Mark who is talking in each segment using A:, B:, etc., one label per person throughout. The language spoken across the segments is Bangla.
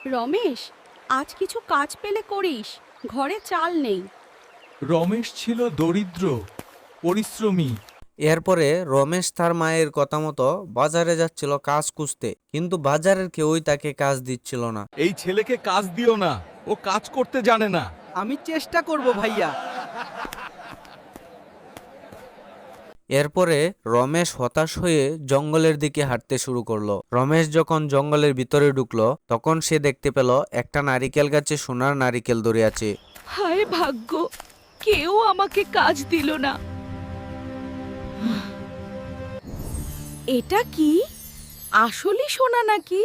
A: রমেশ, আজ কিছু কাজ পেলে করিস, ঘরে চাল নেই।
B: রমেশ ছিল দরিদ্র, পরিশ্রমী।
C: এরপরে রমেশ তার মায়ের কথা মতো বাজারে যাচ্ছিল কাজ খুঁজতে, কিন্তু বাজারের কেউই তাকে কাজ দিচ্ছিল না।
B: এই ছেলেকে কাজ দিও না, ও কাজ করতে জানে না।
D: আমি চেষ্টা করব ভাইয়া।
C: এরপরে রমেশ হতাশ হয়ে জঙ্গলের দিকে হাঁটতে শুরু করলো। রমেশ যখন জঙ্গলের ভিতরে ঢুকলো, তখন সে দেখতে পেল একটা নারিকেল গাছে সোনার নারিকেল ধরে আছে।
A: হায় ভাগ্য, কেউ আমাকে কাজ দিল না। এটা কি আসলে সোনা নাকি?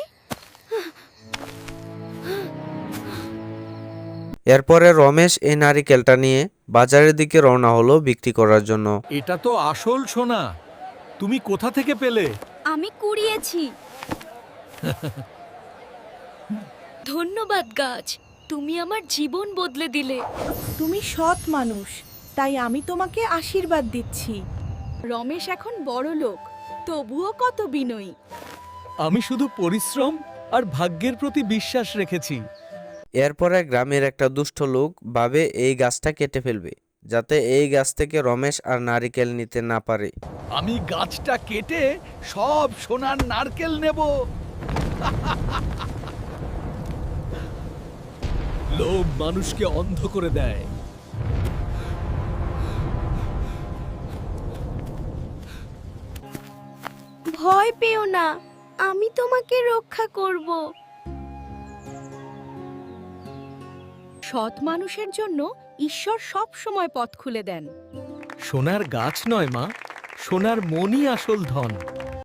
C: এরপরে রমেশ এই নারিকেলটা নিয়ে বাজারের দিকে রওনা হলো বিক্রি করার জন্য।
B: এটা তো আসল সোনা। তুমি কোথা থেকে পেলে?
A: আমি কুড়িয়েছি। ধন্যবাদ গাছ, তুমি আমার জীবন বদলে দিলে।
E: তুমি সৎ মানুষ, তাই আমি তোমাকে আশীর্বাদ দিচ্ছি।
A: রমেশ এখন বড় লোক, তবুও কত বিনয়ী।
B: আমি শুধু পরিশ্রম আর ভাগ্যের প্রতি বিশ্বাস রেখেছি।
C: এরপরে গ্রামের একটা দুষ্ট লোক ভাবে এই গাছটা কেটে ফেলবে, যাতে এই গাছ থেকে রমেশ আর নারিকেল নিতে না পারে।
B: আমি গাছটা কেটে সব সোনার নারকেল নেব। লোভ মানুষকে অন্ধ করে দেয়।
A: ভয় পেও না, আমি তোমাকে রক্ষা করব। সৎ মানুষের জন্য ঈশ্বর সব সময় পথ খুলে দেন।
B: সোনার গাছ নয় মা, সোনার মনই আসল ধন।